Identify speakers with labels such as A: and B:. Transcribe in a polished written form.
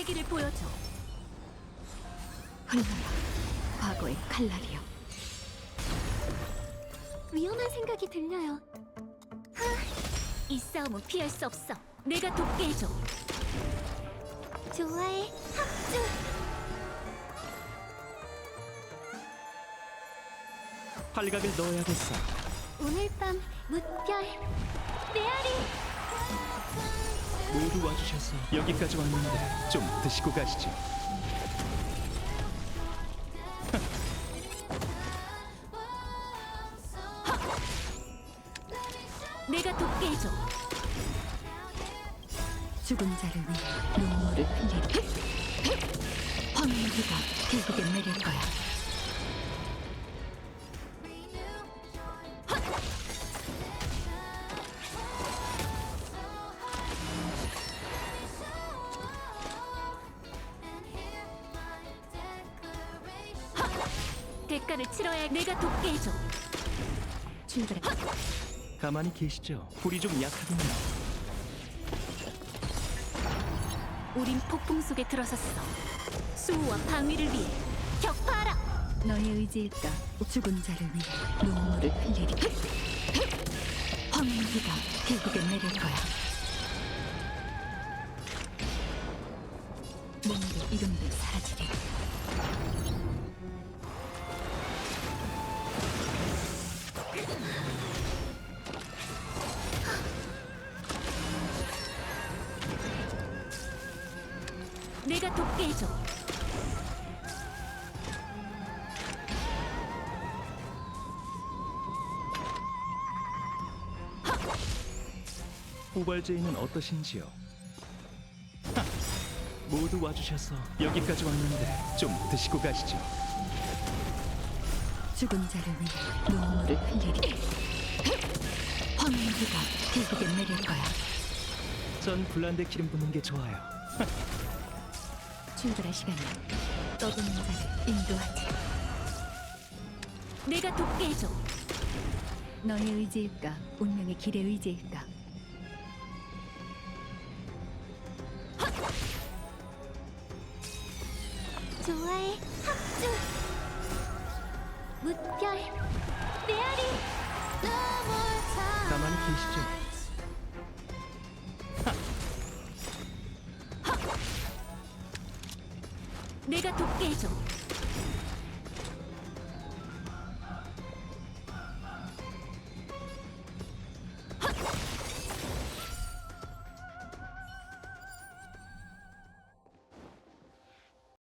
A: 패기를 보여줘.
B: 흘러라, 과거의 칼날이여.
A: 위험한 생각이 들려요. 이 싸움은 피할 수 없어. 내가 돕게 해줘. 좋아해, 합주.
C: 활각을 넣어야겠어.
A: 오늘 밤 무별 메아리.
C: 모두 와주셔서 여기까지 왔는데 좀 드시고 가시죠.
A: 내가 돕게 해줘.
B: 죽은 자를 위해 눈물을 흘리리. 황무지가 결국엔 내릴 거야.
A: 대가를 치러야 해. 내가 돕게 해줘.
B: 출발해.
C: 가만히 계시죠. 불이 좀 약하군요.
A: 우린 폭풍 속에 들어섰어. 수호와 방위를 위해 격파하라.
B: 너의 의지일까? 죽은 자를 위해 눈물을 흘리리. 황무지가 결국엔 내릴 거야. 몸도 이름도 사라지리.
A: 내가 돕게 해줘.
C: 후발제인은 어떠신지요? 하! 모두 와주셔서 여기까지 왔는데 좀 드시고 가시죠.
B: 죽은 자를 위해 눈물을 흘리리. 황무지가 결국엔 내릴 거야.
C: 전 블란데 기름 붓는 게 좋아요.
B: 출발할 시간이야. 떠도는 자를 인도하지.
A: 내가 돕게 해줘.
B: 너의 의지일까? 운명의 길의 의지일까?
A: 좋아해, 합주. 무별 메아리.
C: 가만히 계시죠.
A: 내가 돕게 해줘.